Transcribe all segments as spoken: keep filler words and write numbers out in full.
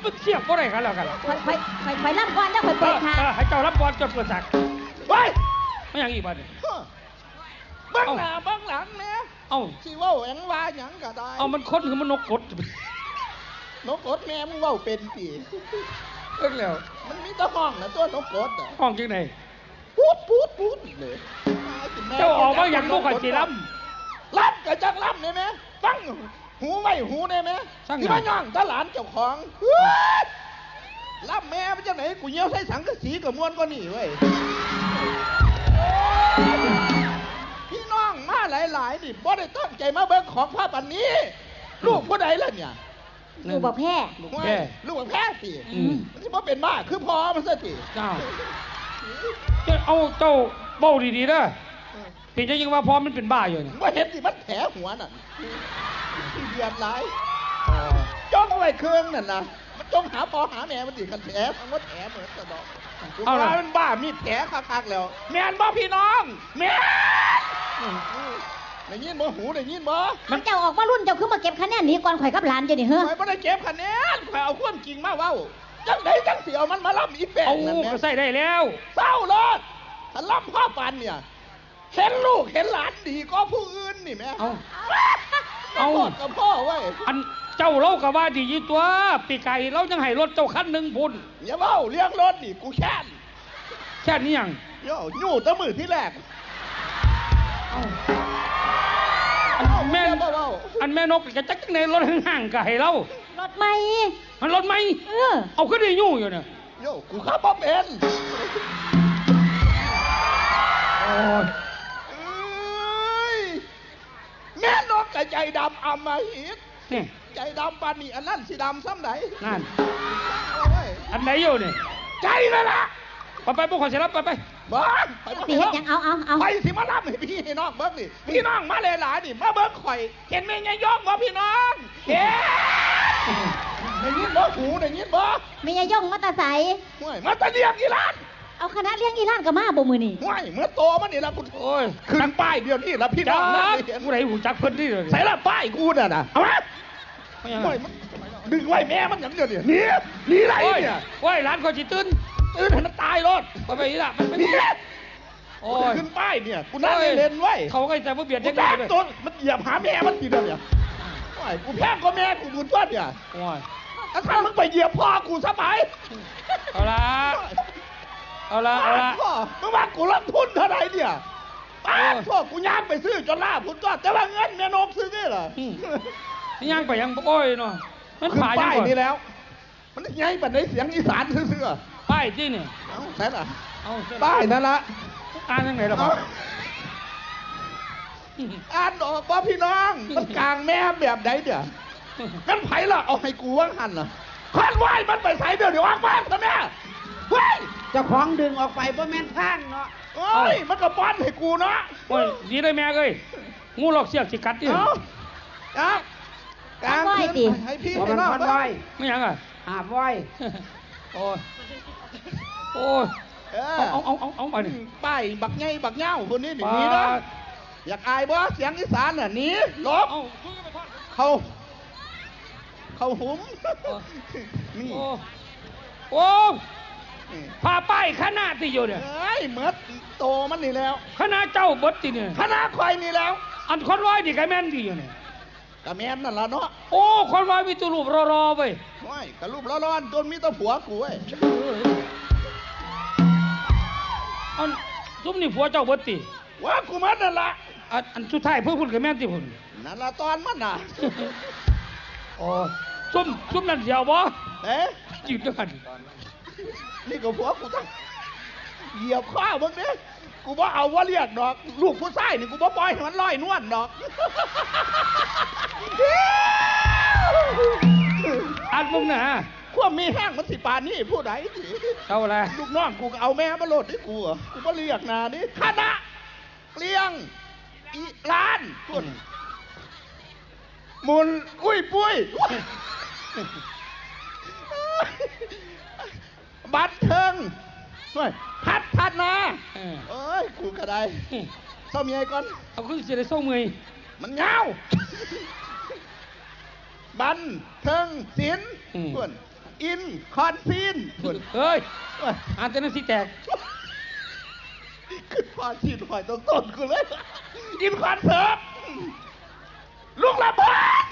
มันเสียบก็ได้กันแล้วกันไปไปไปไปรับก่อนแล้วไปเปิดทางให้เจ้ารับบอลจนเปิดฉากไว้ไม่อย่างอีกบ้านนี่เบื้องหน้าเบื้องหลังเนี่ยเอ้าชีว่าแหวงว่าหยังก็ได้เอามันค้นคือมันนกกดนกกดแม่มึงว่าเป็นปีเรื่องแล้วมันมีตะห้องนะตัวนกกดอ่ะห้องจังไหนพูดพูดพูดเลยเจ้าออกมาอย่างลูกขันจีล้ำล้ำกับจักล้ำเนี่ยไหมฟังหูไม่หูเนี่ยไหมที่มาย่องตาหลานเจ้าของล้ำแม่มันจะไหนกูเยี่ยวใส่สังกะสีกับม้วนก็นี่เว้ยพี่น้องมาหลายๆนี่บ่ได้ตั้งใจมาเบิ่งของภาพอันนี้ลูกผู้ใดล่ะเนี่ยลูกบอกแพ้ลูกแพ้ลูกบอกแพ้สิมันจะมาเป็นบ้าคือพอมันซะสิเจ้าเอาเจ้าเบ้าดีๆนะพี่จะยังว่าพอมันเป็นบ้าอยู่เนี่ยว่าเห็นสิมันแผลหัวน่ะที่เดือดร้ายจ้องไว้เครื่องนั่นนะมันจ้องหาปอหาแม่มันดิกันแผลมันว่าแผลเหมือนกระดอกเอาละมันบ้ามีแผลคักๆแล้วแม่นบ่พี่น้องแม่ได้ยินบ่หูได้ยินบ่มันเจ้าออกมารุ่นเจ้าคือมาเก็บคะแนนนี้ก่อนข่อยกับหลานจะนี่เฮ้ยข่อยบ่ได้เก็บคะแนนข่อยเอาความจริงมาเว้าจังไดจังสิเอามันมาล่ำอีแป้งนั่นแหละก็ใส่ได้แล้วเศร้าโลดถ้าล่ำพ่อปันเนี่ยเห็นลูกเห็นหลานดีก็ผู้อื่นนี่แม่เอาเอากับพ่อไว้อันเจ้าเล่ากับว่าดีตัวปีไก่เรายังให้รถเจ้าคันหนึ่งพุ่นอย่าเว้าเลี้ยงรถนี่กูแค้นแค่นี้ยังโย่ยู่ตั้งมือที่แรกอันแม่อันแม่นกจะจักในรถห่างๆกับให้เรารถไม่มันรถไม่เออเอาขึ้นได้ยู่อยู่เนี่ยโย่กูขับบ่เป็นโอ้ยแม่นกกับใจดำอำมาหิตนี่ใจดำปานนี่อันนั้นสีดำซ้ำไหนนั่นอันไหนอยู่นี่ใจเลยล่ะไปไปพวกคนเสร็จแล้วไปไปบ้านไปสิเห็นยังเอาเอาเอาไปสิมาล่ำให้พี่ให้น้องเบิ้งนี่พี่น้องมาเลยหลายนี่มาเบิ้งข่อยเห็นไหมไงย่องบ่พี่น้องเฮ้ได้ยินบ่หูได้ยินบ่ไม่ยย่องมาตาใสห่วยมาตาเลี้ยงอีหลานเอาคณะเลี้ยงอีหลานกับมาบ่มือนี่ห่วยเมื่อโตมันนี่ละกูโอ้ยขึ้นป้ายเดียวนี่ละพี่น้องกูไหนหูจักเพิ่นนี่เลยใส่ละป้ายกูน่ะนะเอามาห่วยดึงไว้แม่มันอย่างเดียวเนี่ยหนีหนีไรเนี่ยโอ้ยร้านคนจีตื่นตื่นให้มันตายรถไปไปอีละมันไม่โอ้ยขึ้นป้ายเนี่ยกูนั่งเล่นไว้เขาก็จะมาเบียดยังไงเลยต้นมันเหยียบหาแม่มันทีเดียวเนี่ยโอ้ยกูแพ้ก็แม่กูบุญต้นเนี่ยโอ้ยถ้ามึงไปเหยียบพ่อกูซะไปเอาละเอาละเอาละพ่อมึงว่ากูรับทุนเท่าไหร่เนี่ยป้าพ่อกูย่างไปซื้อจนล่าพุทธก็แต่ว่าเงินแม่นกซื้อนี่เหรอนี่ย่างไปยังโอ้ยเนาะมันผ่านป้ายนี่แล้วมันไงบัดในเสียงอีสานซื่อๆป้ายที่นี่เอาใช่หรอเอาป้ายนั่นละอ่านยังไงล่ะพ่ออ่านออกป่ะพี่น้องมันกลางแม่แบบไหนเดี๋ยวงั้นไผ่ละเอาให้กูว่างหันเหรอควันไหวมันไปใส่เดี๋ยวเดี๋ยวว่างบ้านซะแม่เฮ้ยเจ้าของดึงออกไปเพราะแม่นข้างเนาะโอ้ยมันก็ป้อนให้กูเนาะโอ้ยดีได้แม่เอ้ยงูหลอกเสียกจิกัดดิเอาเอากลางคืนให้พี่ให้น้องไปไม่ยังอ่ะหาไว้โอ้ยโอ้ยเอาเอาเอาเอาไปนี่ป้ายบักไงบักเง่าคนนี้หนีนะอยากอายบ่เสียงอีสานน่ะหนีลบเขาเขาหุ้มนี่โอ้พาไปคณะที่อยู่เนี่ยเฮ้ยเมื่อโตมันนี่แล้วคณะเจ้าบดที่เนี่ยคณะคอยนี่แล้วอันคนร้อยดีกับแม่นดีอยู่เนี่ยกับแม่นนั่นละเนาะโอ้คนร้อยมีตัวรูปรอๆไปว้ายกับรูปร้อนๆจนมีตัวผัวกูเว้ยอันซุ่มนี่ผัวเจ้าบดตีว่ากูมันนั่นละอันอันสุดท้ายเพื่อพุ่นกับแม่นที่พุ่นนั่นละตอนมันน่ะโอ้ซุ่มซุ่มนั่นเดียวบ่เอ๊ะยืดด้วยกันนี่ก็ผัวกูตั้งเหยียบข้าวมึงเนี่ยกูบ่เอาว่าเรียกดอกลูกผู้ชายนี่กูบ่ปล่อยให้มันลอยนวลดอกอันมึงน่ะขั้วมีแห้งมันสิปานนี่ผู้ใดสิเอาอะไรลูกน้องกูเอาแม่มาโหลดให้กูอ่ะกูบ่เรียกนานี่คณะเลี้ยงอีร้านคุณมุนอุ้ยปุ้ยบัตรเทิงด้วยพัดพัดนะเอ้ยกูกระไดเศร้าเมียก่อนเอาขึ้นเสียได้เศร้าเมยมันเงาบันเทิงศิลป์เพื่อนอินคอนซีนพุ่นเฮ้ยอ่านแต่นั้นสิแตกขึ้นคอนซีนหอยต้นต้นกูเลยอินคอนเสิร์ตลูกละเบิด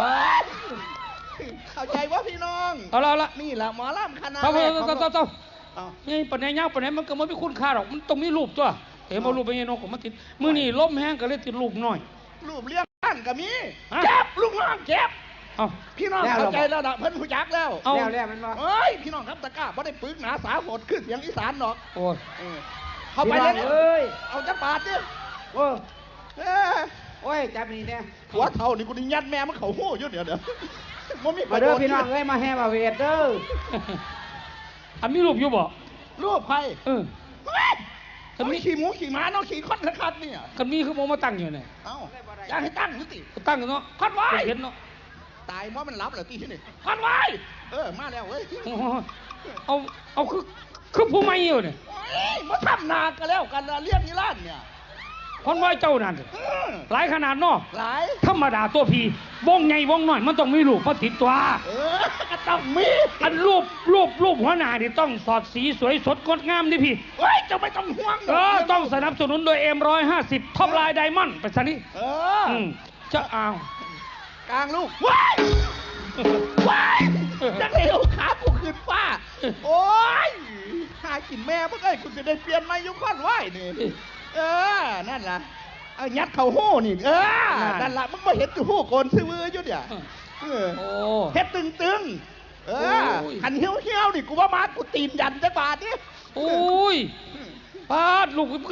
เข้าใจว่าพี่น้องเอาละเอาละนี่แหละหมอลำคณะเท่าแรเท่ากของเท่าเท่าเอานี่ปัญญาเงาปัญญามันก็ไม่คุ้นค่าหรอกมันต้องมีรูปตัวเห็นมารูปเป็นยังนกมันติดมือนี่ล้มแห้งก็เลยติดรูปหน่อยรูปเลี้ยงบ้านก็มีฮะเจ็บลูกน้องเจ็บเอาพี่น้องเข้าใจแล้วนะเพิ่นผู้จักแล้วเอาแล้วแล้วมันว่าเอ้ยพี่น้องครับตะกร้าบ่ได้ปึกหนาสาโหดขึ้นเสียงอีสานหรอกโอ้ยเออเข้าไปพี่เลน้อย งเอ้ยเอาจักบาทดิโอ้เออโอ้ยจับนี่เนี่ยหัวเท่านี่กูนี่ยัดแม่มันเขาหู้อยู่เดี๋ยวเดี๋ยวมันมีมาเด้อพี่น้องเอ้ยมาแห่มาเวทเด้ออันมีรูปอยู่บ่รูปใครเออเฮ้ยมันมีขี่หมูขี่ม้าเนาะขี่คอนคัดเนี่ยกันมีคือโมมาตั้งอยู่เนี่ยเอ้าอยากให้ตั้งนิติตั้งอยู่เนาะคอนไว้เห็นเนาะตายเพราะมันรับเหรอตีที่นี่คอนไว้เออมาแล้วเว้ยโอ้โหเอาเอาคือคือผู้ไม่อยู่เนี่ยเฮ้ยมาทำนากันแล้วกันละเรียกนิรันดร์เนี่ยคนว่าเจ้านั่นอืมหลายขนาดเนาะหลายธรรมดาตัวพีวงใหญ่วงน้อยมันต้องมีรูปมาติดตัวเออก็ต้องมีอันรูปรูปรูปหัวหน้านี่ต้องสอดสีสวยสดงดงามดิพี่เฮ้ยเจะไม่ต้องห่วงเออต้องสนับสนุนโดยเอ็มร้อยห้าสิบท็อปไลน์ไดมอนด์ไปซะนี่เออออืมจะเอากลางลูกว้ายว้ายจังเลยเอาขากูขึ้นฟ้า โอ้ยหากินแม่เมื่อไงคุณจะได้เปลี่ยนไม้ยุคอนไหวนี่เออ นั่นล่ะเอายัดเข่าหู้นี่ เออ นั่นล่ะมึงมาเห็นอยู่หู้โกนซื้อมืออยู่เนี่ยเออโอ้เฮ็ดตึงตึงๆเออโอ้ยขันเหี้ยวเหี้ยวๆนี่กูว่ามากูตีนยันจักบาทนี่โอ้ยปาดลูกก็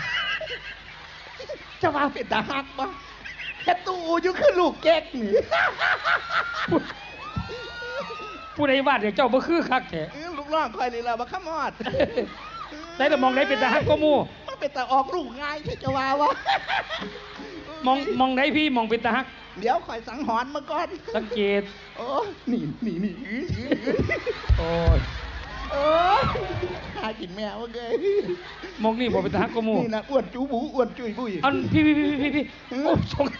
จะมาเป็นตาหักปะเฮ็ดตู้อยู่คือลูกแก๊กนี่ผู้ใดวาดเนี่ยเจ้าบ่คือคักแท้เออลูกน้องคอยนี่ล่ะบ่ขมอดได้แต่มองได้เป็นตาฮักก็มู่มันเป็นตาออกลูกง่ายที่จะว่าวะมองมองได้พี่มองเป็นตาฮักเดี๋ยวคอยสังหรณ์มาก่อนสังเกตโอ้นี่นี่นี่อื้ออื้ออื้อโอ้ยโอ้ยหากินแมวเกยมองนี่บ่เป็นตาฮักก็มู่นี่นะอ้วนจูบูอ้วนจุยบุยอันพี่พี่พี่พี่พี่โอ้ชง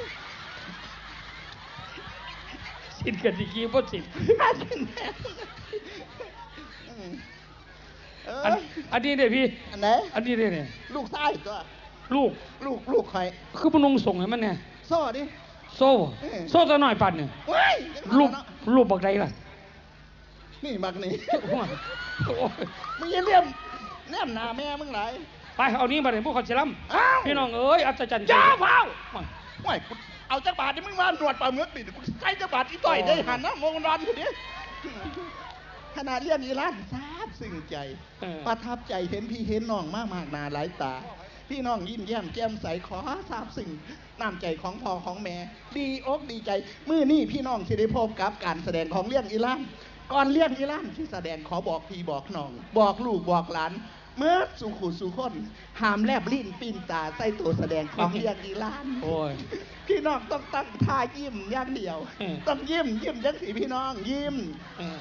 สินกันสิกี้บ่สินหากินแมวอืมเออันออันนี้เนี่ยพี่อันไหนอันนี้เนี่ยเนี่ยลูกชายตัวลูกลูกลูกใครคือพนุงส่งให้มันเนี่ยโซ่ดิโซ่เออโซ่ตัวน้อยปันเนี่ยเว้ยรูปรูปบักใดล่ะนี่บักนี่โอ้ยมึงอยังเลี่ยมเลี่ยมหน้าแม่มึงไหลายไปเอานี้มาเลยพวกเขาเชลัมอ้าวพี่น้องเอ้ยอัศจรรย์ใจจ้าเผาไม่กูเอาจักบาทนี่มึงมาหนวดปลาเมือกปิดกูใช้จักบาทอีต่อยได้หันนะมองรันทีนี้ขนาดเรียนอีร้านทราบซึ้งใจเออประทับใจเห็นพี่เห็นน้องมากมากๆหนาหลายตา พี่น้องยิ้มแย้มแจ่มใสขอทราบซึ้งน้ำใจของพ่อของแม่ ดีอกดีใจมื้อนี้พี่น้องที่ได้พบกับการแสดงของเรื่องอีร้านก่อนเรื่องอีร้านที่แสดงขอบอกพี่บอกน้อง บอกลูกบอกหลาน เมื่อสู่ขู่สู่คนหามแลบลิ้นปีนตาใส่ตัวแสดงของเรื่องอีร้านโอ้ยพี่น้องต้องตั้งท่ายิ้มอย่างเดียวอืมต้องยิ้มยิ้มจังสีพี่น้องยิ้มเออ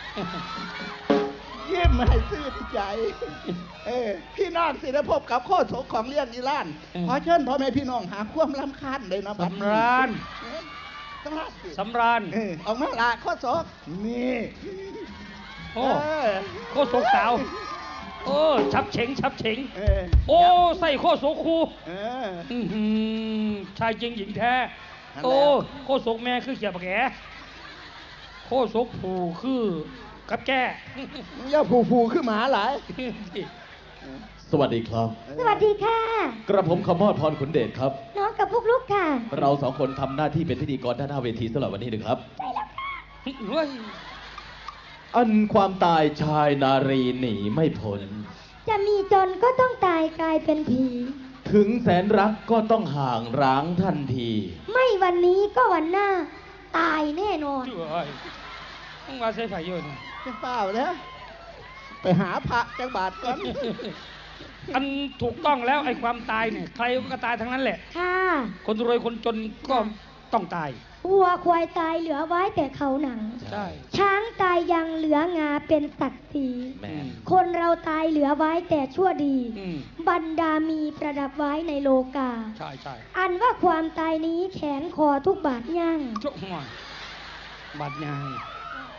ยิ้มให้ซื่อที่ใจ เออพี่น้องสิได้พบกับโคตรโสของเรื่องอีร้านอืมขอเชิญพ่อแม่พี่น้องหาความรำคาญเลยนะบัดนี้สำราญเออสำราญสิสำราญเออออกมาละโคตรโสนี่โอ้เออโคตรโศกสาวโอ้ชับเฉงชับเฉงเออโอ้ใส่โคตรโศกคูเอออื้อหือชายจริงหญิงแท้นั่นแหละโอ้โคตรโศกแม่คือเขียบแกโคตรโศกผูคือกับแก่มึงอย่าผูผูขึ้นหมาหลายสวัสดีครับสวัสดีค่ะกระผมขมอดพรขุนเดชครับน้องกับพวกลูกค่ะเราสองคนทำหน้าที่เป็นพิธีกรด้านหน้าเวทีสำหรับวันนี้นะครับเฮ้ยอันความตายชายนารีหนีไม่พ้นจะมีจนก็ต้องตายกลายเป็นผีถึงแสนรักก็ต้องห่างร้างทันทีไม่วันนี้ก็วันหน้า ตายแน่นอนเฮ้ยต้องมาใส่ไฟเยอะนี่จะเปล่าแล้วไปหาพระจังบาทก่อนอันถูกต้องแล้วไอ้ความตายเนี่ยใครก็ตายทั้งนั้นแหละค่ะคนรวยคนจนก็ต้องตายวัวควายตายเหลือไว้แต่เขาหนังใช่ช้างตายยังเหลืองาเป็นศักดิ์ศรีแม่นคนเราตายเหลือไว้แต่ชั่วดีอืมบรรดามีประดับไว้ในโลกาใช่ใช่อันว่าความตายนี้แขนคอทุกบาทย่างจุกหัวบาดยาง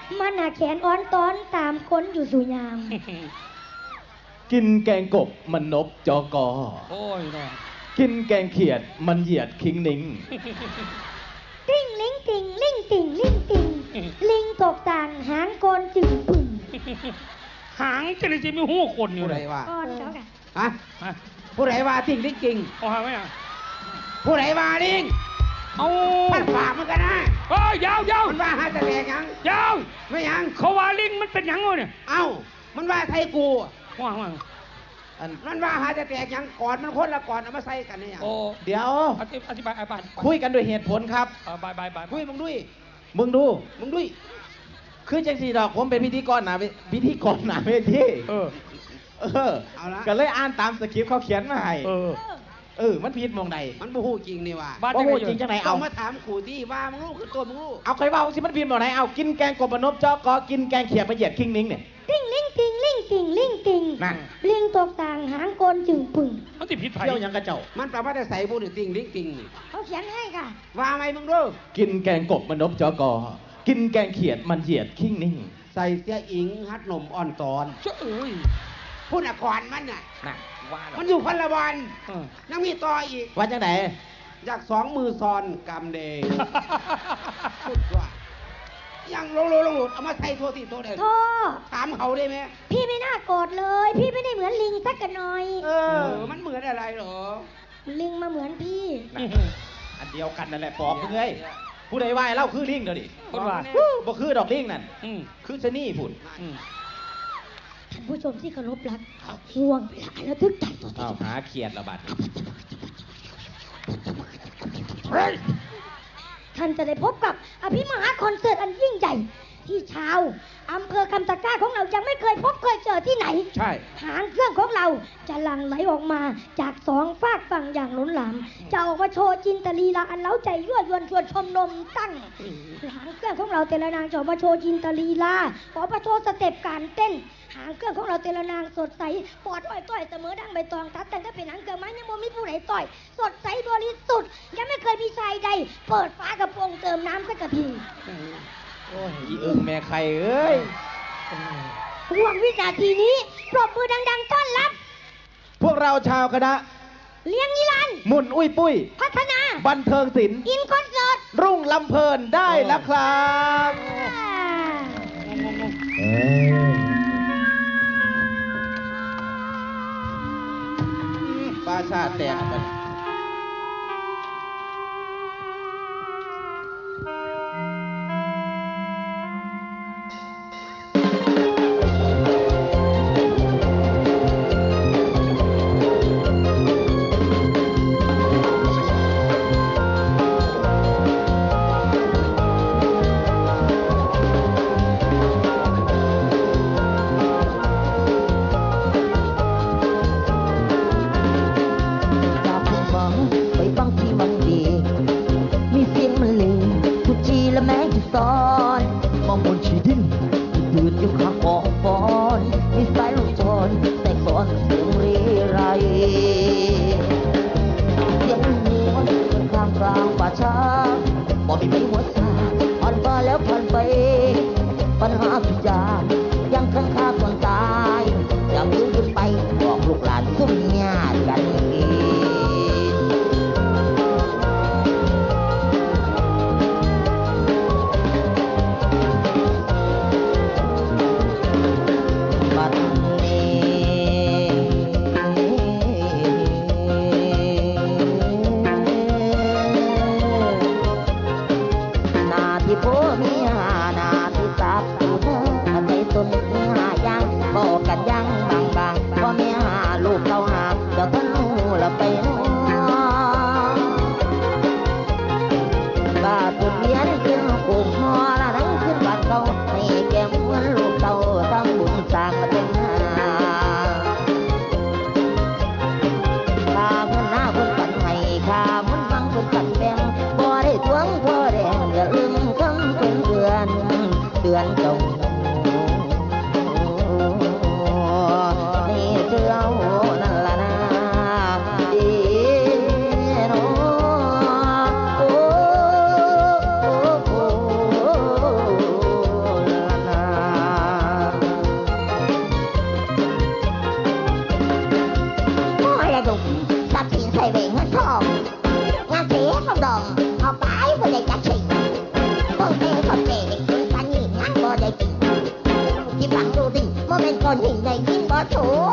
มันหาแขนอ้อนตอนตามคนอยู่สุยามกินแกงกบมันนบจอกอโอ้ยน้องกินแกงเขียดมันเหยียดคิงนิงติ้งลิงติงลิงติงลิงติงลิงตกต่างหางโกนจึงปึ่งหางจะได้จะมีหูคนอยู่ผู้เลใดยว่าก้อนเขาค่ะฮะฮะผู้ใดว่าทิ้งลิงจริงเอาหางไหมอ่ะผู้ใดว่าลิงเอามันฝากมันกันนะเอ้ยยาวยาวมันว่าหาจะแตกยังยาวไม่ยังเขาว่าลิงมันเป็นหยังวะเนี่ยเอ้ามันว่าไทยกูว่างว่างอันมันว่าหาจะแตกยังก่อนมันคนละก่อนเอามาใส่กันเนี่ยโอ้เดี๋ยวอธิอธิบายอธิบายคุยกันด้วยเหตุผลครับเออบายบายบายคุยมึงด้วยมึงดูมึงด้วยคือจังสีดอกผมเป็นพิธีกรหนาเวพิธีกรหนาเวทีเออเออเอาละก็เลยอ่านตามสคริปต์เขาเขียนมาให้เออเออ มันผิดมองใดมันบูฮู้จริงนี่ว่าบ้านบ่จังฮู้ไงจริงจังไหนเอาเอามาถามขู่ที่ว่ามึงรู้คือตัวมึงรู้เอาใครเบาสิมันผิดมองไหนเอากินแกงกบมันนบจอกอกินแกงเขียดมันเหยียดคิงนิงเนี่ยติ้งลิงติงลิงติงลิงติงนั่นลิงตกต่างหางโกนจึงปึ่งมันติดผิดไผ่เที่ยวหยังกระเจ้ามันแปลว่าจะใส่บูนี่ติงลิงติงนี่เขาเขียนให้ค่ะว่าไหมมึงรู้กินแกงกบมันนบจอกอกินแกงเขียดมันเหยียดคิงนิงใส่เสียอิงฮัดหนมอ่อนตอนเจ้าเอ้ยพูดอ่ะก่อนมันน่ะน่ะว่าแล้วมันอยู่คนละวันเออยังมีต่ออีกว่าจังไหนอยากสองมือซอนกำเดงพูดว่ายังลงลงลงหลุดเอามาใส่โทษทีโทษเด็โทษถามเขาได้ไหมพี่ไม่น่าโกรธเลย พี่ไม่ได้เหมือนลิงสักกันหน่อยเออ มันเหมือนอะไรเหรอลิงมาเหมือนพี่อันเดียวกันนั่นแหละปอบเงยผู้ใดว่าให้เล่าคือลิงเดี๋ยวดิคนว่าบ่คือดอกลิงนั่นอืมคือชะนี่พุ่นอืมท่านผู้ชมที่เคารพรักห่วงเวลาแล้วทึกใจตัวอ้าวหาเขียดระบาดท่านจะได้พบกับอภิมหาคอนเสิร์ตอันยิ่งใหญ่ ที่ชาวอำเภอคำตะกร้าของเรายังไม่เคยพบเคยเจอที่ไหนใช่หางเครื่องของเราจะหลั่งไหลออกมาจากสองฝากฝั่งอย่างล้นหลาม จะออกมาโชว์จินตลีลาอันเล้าใจยั่วยวนชวนชมนมตั้งหางเครื่องของเราแต่ละนางจะออกมาโชว์จินตลีลาออกมาโชว์สเต็ปการเต้น หางเครื่องของเราแต่ละนางสดใสปอดอ้อยต้อยเสมอดังใบตองทัดแต่ถ้าเป็นหางเครื่องไม้ยังโมมีผู้ไหนต่อย สดใสบริสุทธิ์ยังไม่เคยมีชายใด เปิดฝากระโปรงเติมน้ำสักกระพีโอ้ยอีเอิงแม่ใครเอ้ยห่วงวินาทีนี้ปรบมือดังๆต้อนรับพวกเราชาวคณะเลี้ยงนิรันดร์หมุนอุ้ยปุ้ยพัฒนาบันเทิงศิลป์อินคอนเสิร์ตรุ่งลำเพลินได้แล้วครับงงงงเอ้ยปลาชาแตกไปจากคุณฟังไปฟังที่มันดี มีเสียงมันเลงทุกทีและแม้ที่ซ้อนมองบนชีดินยืดอยู่ข้างกองฟอนมีสายลูกจรแต่ก่อนเสียงเรไรเสียงนวลข้างกลางป่าช้าบอกมีไม่หัวซาผ่านมาแล้วผ่านไป ปัญหาทุกอย่างยังค้างคาก่อนตายอย่าลืมขึ้นไปบอกลูกหลานซุ่มญาติกันอีกบัดนี้หน้าที่พ่อมีหาหน้าที่ตักผู้เธอฟังดูสิโมเมนต์ก่อนหินในกินบ่โถ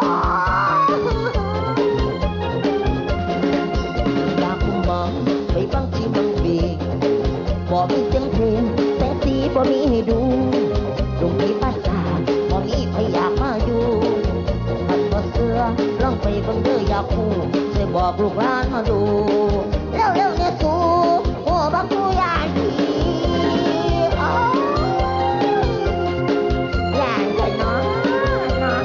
อยากคุมบังไปฟังที่เมืองบีบ่มีเสียงเพลงแสงสีบ่มีให้ดูตรงที่ภาษาบ่มีใครอยากมาอยู่ท่านบ่เสือลองไปเบิ่งเด้ออยากคู่ช่วยบอกลูกหลานมาดูเร็วๆเนี่ยสู่โอ้บักกูอยากดีโอ้อยากเลยเนาะเนาะ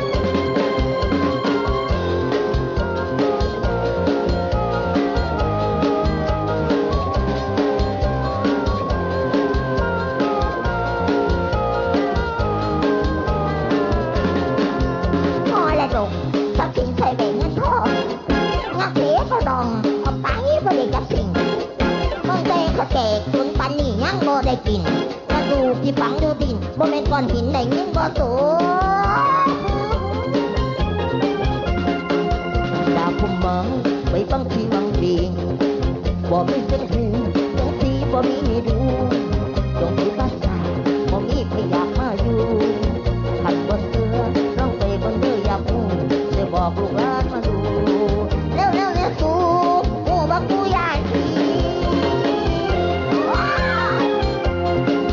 พอแล้วลูกถ้ากินใส่แบ่งเงินทองงักเลี้ยก็ดองเอาไปบ่ได้จับสิ่งต้องเตะเขาแก่คนปันนี่ยังบ่ได้กินกระดูกที่ฝังอยู่ดินบ่แม่นก้อนหินได้เงินบ่สูดาวพุ่มเมืองไปฟังที่วังดีบ่มีเสียงเพลงเสียงสีบ่มีให้ดูตรงที่ภาษาบ่มีใครอยากมาอยู่ขันบ่เสือร้องไปบนเรืออยากพูดจะบอกลูกหลานมาดูเร็วๆเนี่ยสู่โอ้บักกูอยากดีว้าว